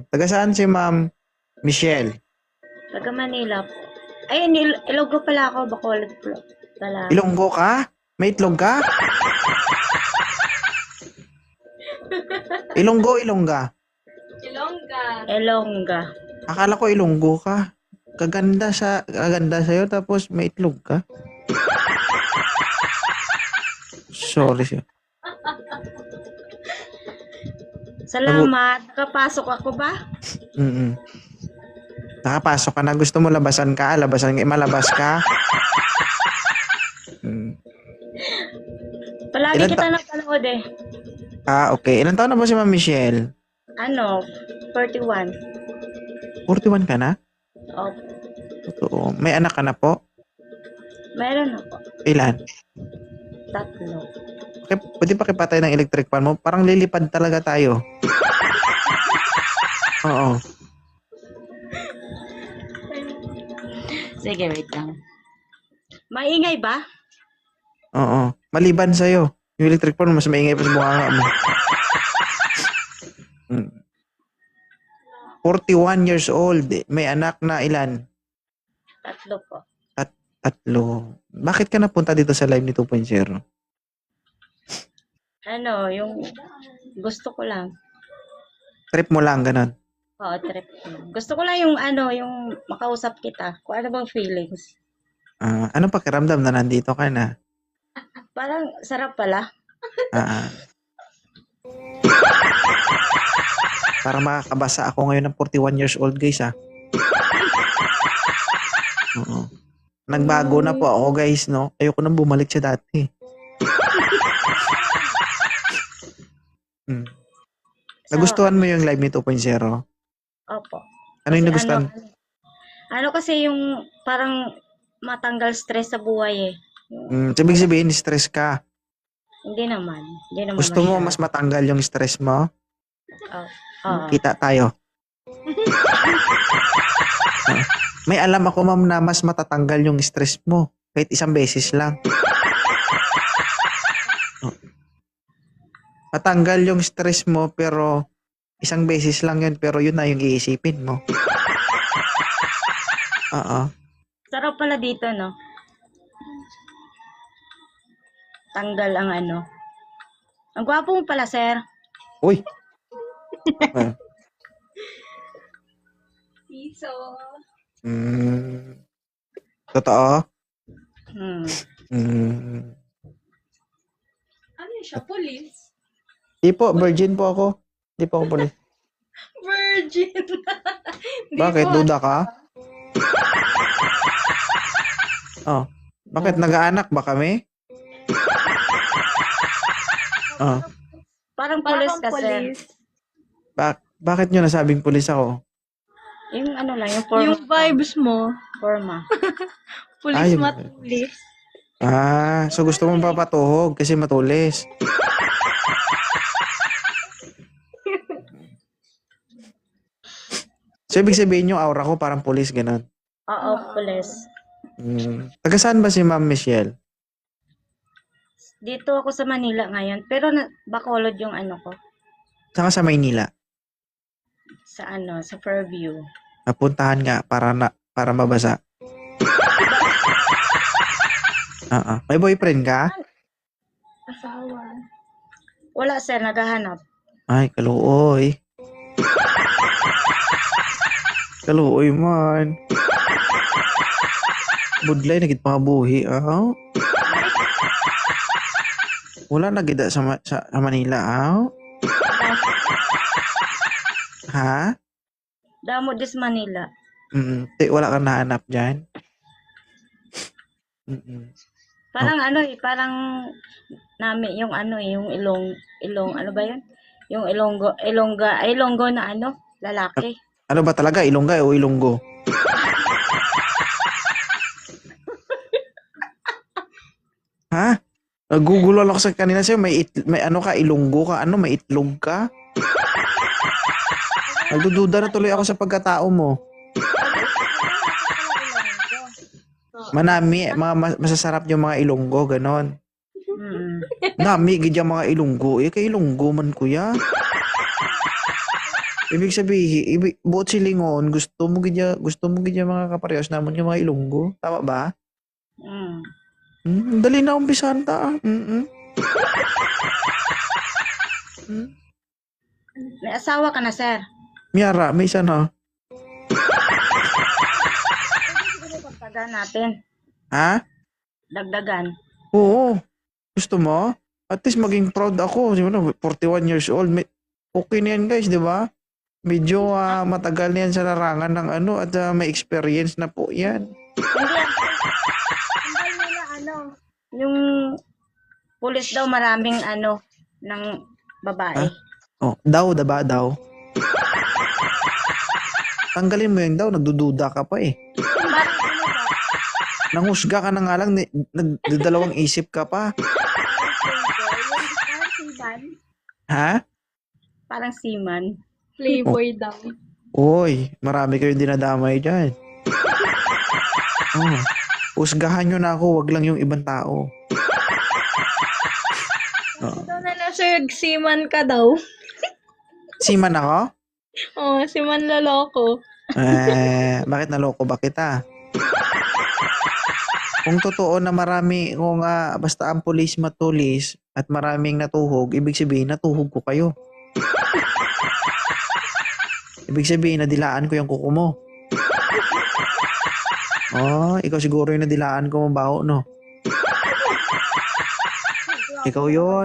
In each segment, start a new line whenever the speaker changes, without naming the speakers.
Taga saan si Ma'am Michelle?
Taga Manila. Ay, Ilonggo pala ako, Bacolod pala.
Ilonggo ka? May itlog ka? Ilonggo, Ilongga.
Ilongga.
Akala ko Ilonggo ka. Kaganda sa'yo tapos may itlog ka. Sorry siya.
Salamat. Nakapasok ako ba?
Mm. Nakapasok ka na. Gusto mo labasan ka? Malabas ka?
Palagi
Ilan
kita napanood eh.
Okay. Ilan taon na ba si Ma'am Michelle?
41.
41 ka na?
Oh,
Totoo. May anak ka na po?
meron ako.
Ilan?
3.
Okay, pwede pa kipatay ng electric fan mo? Parang lilipad talaga tayo. Oo.
Sige, wait lang. Maingay ba?
Oo. Maliban sa'yo. Yung electric fan mas maingay pa sa bunganga mo. 41 years old. May anak na ilan?
3 po.
3. Bakit ka napunta dito sa live ni 2.0?
Yung gusto ko lang.
Trip mo lang, ganun.
Oo, trip ko. Gusto ko lang yung makausap kita. Kung ano bang feelings.
Anong pakiramdam na nandito ka na?
Parang sarap pala.
Para makakabasa ako ngayon ng 41 years old, guys, Oo. Nagbago na po ako, guys, no? Ayoko nang bumalik sa dati. Nagustuhan mo yung live ni 2.0?
Opo.
Ano yung nagustuhan?
Kasi yung parang matanggal stress sa buhay eh.
Sabihin sabihin, stress ka.
Hindi naman.
Gusto mo mas matanggal yung stress mo? Kita tayo. May alam ako, ma'am, na mas matatanggal yung stress mo. Kahit isang beses lang. Matanggal yung stress mo, pero isang beses lang yun, pero yun na yung iisipin mo.
Sarap pala dito, no? Tanggal ang Ang gwapo mo pala, sir.
Uy!
Piso.
Totoo?
Ano siya? Police?
Di po, virgin po ako. Di po ako police.
Virgin.
Bakit? Duda ka? Bakit? Nag-aanak ba kami?
Parang police ka, sir.
Bakit nyo nasabing police ako?
Yung yung forma.
Yung vibes mo.
Forma.
Police matulis.
So gusto mong papatuhog kasi matulis. So ibig sabihin yung aura ko parang police, ganun.
Oo, police.
Taga saan ba si Ma'am Michelle?
Dito ako sa Manila ngayon, pero Bacolod yung ko.
Saan ka sa Maynila?
Sa Fairview.
Napuntahan nga para mabasa. May boyfriend ka?
Asawa.
Wala, sir, naghahanap.
Ay, kaluoy. Kaluoy man. Budlay nagit pangabuhi, Wala nagida sa Manila, Ha?
Damo dis Manila.
Wala kang nahanap dyan?
Parang parang nami yung yung ilong, ano ba yun? Yung Ilonggo na lalaki.
Ano ba talaga? Ilongga o Ilonggo? Ha? Nagugulo ako sa kanina sa'yo. May ka, Ilonggo ka. May itlog ka? Nagdududa na tuloy ako sa pagkatao mo. Manami, mga masasarap yung mga Ilonggo, ganon. Nami, gid yung mga Ilonggo. Kay Ilonggo man, kuya. Ibig sabihin, buot silingon, gusto mo gidya mga kaparehas naman yung mga Ilonggo. Tama ba? Dali na umpisahan ta.
May asawa ka na, sir.
Miyara, may isa na.
Dagdagan natin.
Ha?
Dagdagan.
Oo. Gusto mo? At least maging proud ako. Siguro, 41 years old. Okay na yan, guys, di ba? Medyo matagal na yan sa larangan ng ano at may experience na po yan.
Hindi nila yung pulis daw maraming ng babae.
Oh, daw, diba? Daw. Tanggalin mo yung daw, nagdududa ka pa eh. Nanghusga ka na nga lang, nagdadalawang isip ka pa. Ha?
Parang seaman.
Playboy daw.
Uy, marami kayong dinadamay dyan. Husgahan nyo na ako, wag lang yung ibang tao.
Ito na sir, seaman ka daw.
Siman ako?
Oo, seaman loloko.
Bakit naloko ba kita? Kung totoo na marami, kung basta ang pulis matulis at maraming natuhog, ibig sabihin natuhog ko kayo. Ibig sabihin nadilaan ko yung kuko mo. Oh, ikaw siguro yung nadilaan ko mabaho, no? Ikaw yun.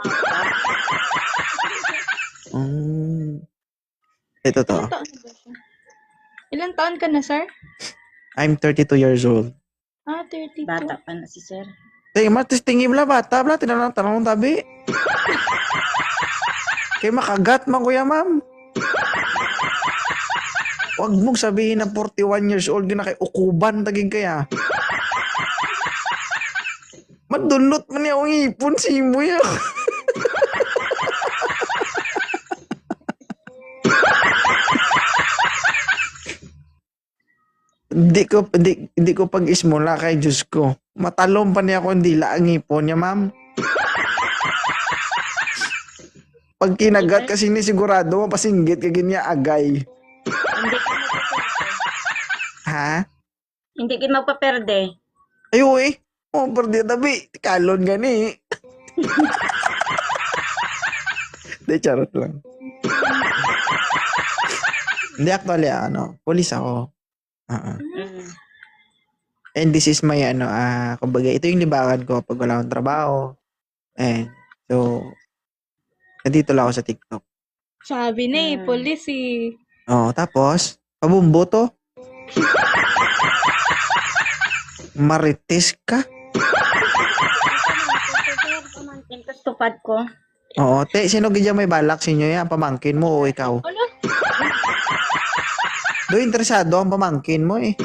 Ito to.
Ilan taon na ba siya? Ilan taon ka na, sir?
I'm 32 years old.
32.
Bata pa na si sir.
Matis tingin bla bata bla tinanong tanong tabi. Kay makagat man kuya ma'am. Huwag mong sabihin na 41 years old na kay ukuban tagig kaya. Madulot man niya ang ipon si mo ya. Hindi ko pag-ismula kay Diyos ko. Matalom pa niya ako hindi ang ipon niya, ma'am. Pag kinagat kasi ni sigurado mapasinggit ka ginya agay.
Hindi ka magpaperde.
Ha?
Hindi ka magpaperde.
Ayo eh. Oh, perdi tabi. Kalon gani. Hindi, charot lang. Hindi, actually, police ako. And this is my, kumbaga, ito yung libangan ko pag wala akong trabaho. And, so, nandito lang ako sa TikTok.
Sabi na police eh.
Tapos, pabumbo to. Marites ka?
Pamangkin ko, tupad ko.
Oo, sino gidya may balak sa inyo yan? Pamangkin mo o ikaw?
Ano?
Do interesado ang pamangkin mo eh.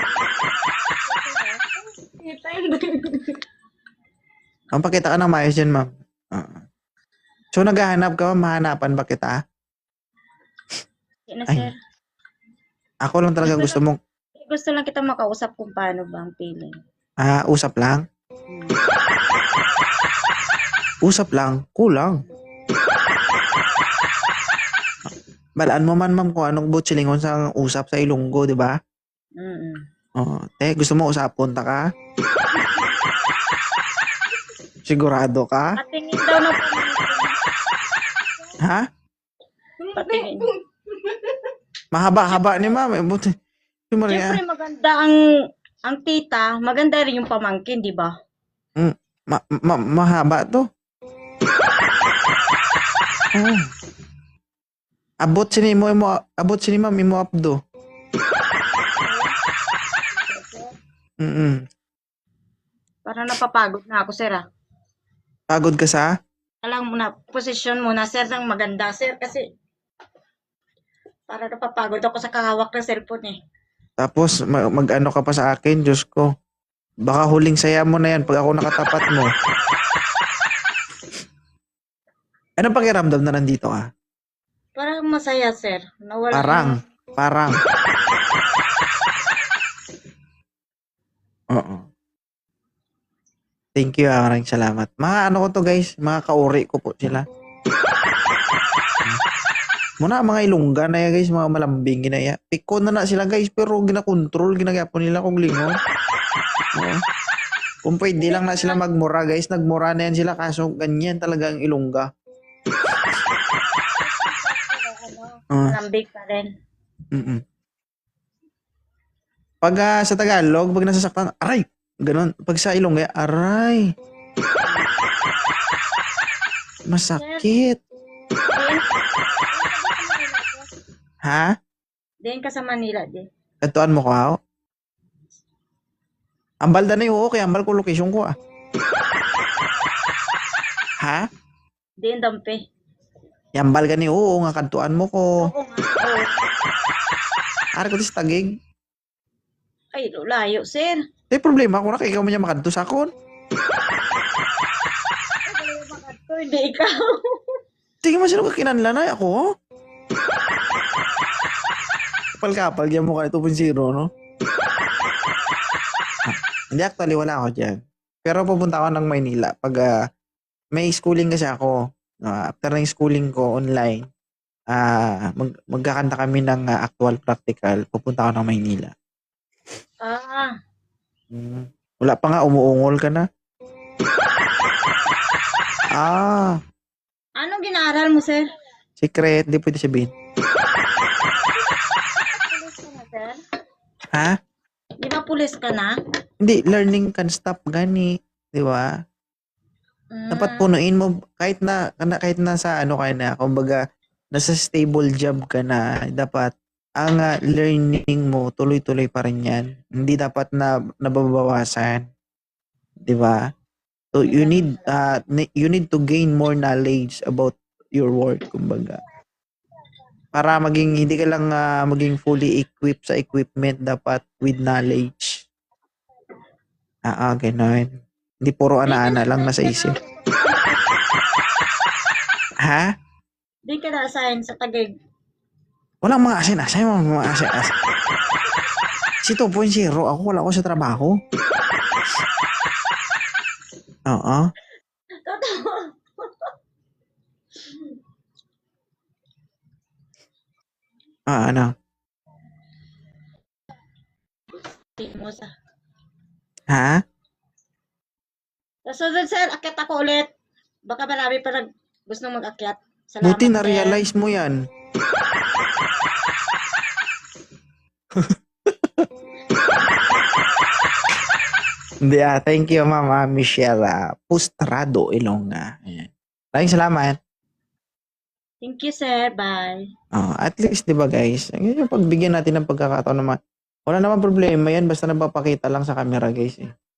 Ang pakita ka ng maayos dyan, ma'am. So, naghahanap ka, mahanapan ba kita?
Yan na, sir.
Ako lang talaga gusto mong...
Gusto lang kita makausap kung paano ba ang feeling.
Usap lang? Usap lang? Kulang. Balaan mo man, ma'am, kung anong butchilingon sa usap sa Ilonggo, di ba? Gusto mo usapon ta ka? Sigurado ka?
Patingin daw na pamangkin.
Ha?
Patingin.
Mahaba-haba ni ma'am. Buti.
Siyempre maganda ang tita, maganda rin yung pamangkin, di ba?
Mahaba to. Abot sini ma'am imo abdo.
Parang napapagod na ako, sir.
Pagod ka sa?
Alam mo na, posisyon mo na, sir, ng maganda, sir, kasi parang napapagod ako sa kahawak ng cellphone eh.
Tapos mag-ano ka pa sa akin, Diyos ko. Baka huling saya mo na yan pag ako nakatapat mo. Anong pakiramdam na nandito ka?
Parang masaya, sir.
Parang. Oo. Thank you, maraming salamat. Mga ano ko to guys, mga kauri ko po sila. Muna mga Ilongga na ya guys, mga malambing ginaya. Piko na sila guys, pero ginakontrol, ginagapon nila kung lingon. Oo. Kung pwede lang na sila magmura guys, nagmura na yan sila kaso ganyan talaga ang Ilongga.
Lambig pa rin.
Mm-mm. Pag sa Tagalog, pag nasasaktan, aray! Ganon. Pag sa Ilongga, aray! Masakit. Ha?
Diyan ka sa Manila, di.
Katuan mo ko ako? Ambal da na yung okay, ambal ko location ko Ha?
Diyan dampe.
Yambal ka ni oo nga kantuan mo ko.
Oo nga. Oo.
Ari ko tis tagig.
Ay, layo, sir.
May problema ko na kay ikaw man niya makanto sa akon.
Hindi ikaw.
Sige man sino ka kinanlanay ako. Kapal-kapal diyan mo ka 2.0 no? Hindi actually wala ako diyan. Pero pupunta ako ng Maynila pag may schooling kasi ako. After ng schooling ko online, magkakanta kami ng actual practical. Pupunta ako ng Maynila.
Ah,
Wala pa nga, umuungol ka na.
anong ginaaral mo, sir?
Secret, di pwede sabihin.
Pulis ka na, sir?
Ha?
Di ba pulis ka na?
Hindi, learning can stop gani. Di ba? Dapat punuin mo kahit na sa ano ka na, kumbaga nasa stable job ka na, dapat ang learning mo tuloy-tuloy pa rin 'yan. Hindi dapat na nababawasan. 'Di ba? So you need to gain more knowledge about your work, kumbaga. Para hindi ka lang maging fully equipped sa equipment, dapat with knowledge. Ganun. Hindi puro ana-ana lang nasa isip. Ha?
Di ka na-assign sa Taguig.
Walang mga asin-asin, mga asin-asin. Si 2.0, ako wala ko sa trabaho. Oo.
Totoo.
Ano?
Di mo sa...
Ha?
Sa sunod, sir, akyat ako ulit. Baka marami pa gusto mag-akyat. Salamat,
Buti
sir.
na-realize mo yan. Hindi thank you Mama Michelle Pustrado Ilongga. Ayan. Maraming salamat.
Thank you, sir. Bye.
At least 'di ba guys, yung pagbigyan natin ng pagkakataon naman. Wala naman problema yan basta napapakita lang sa camera guys eh.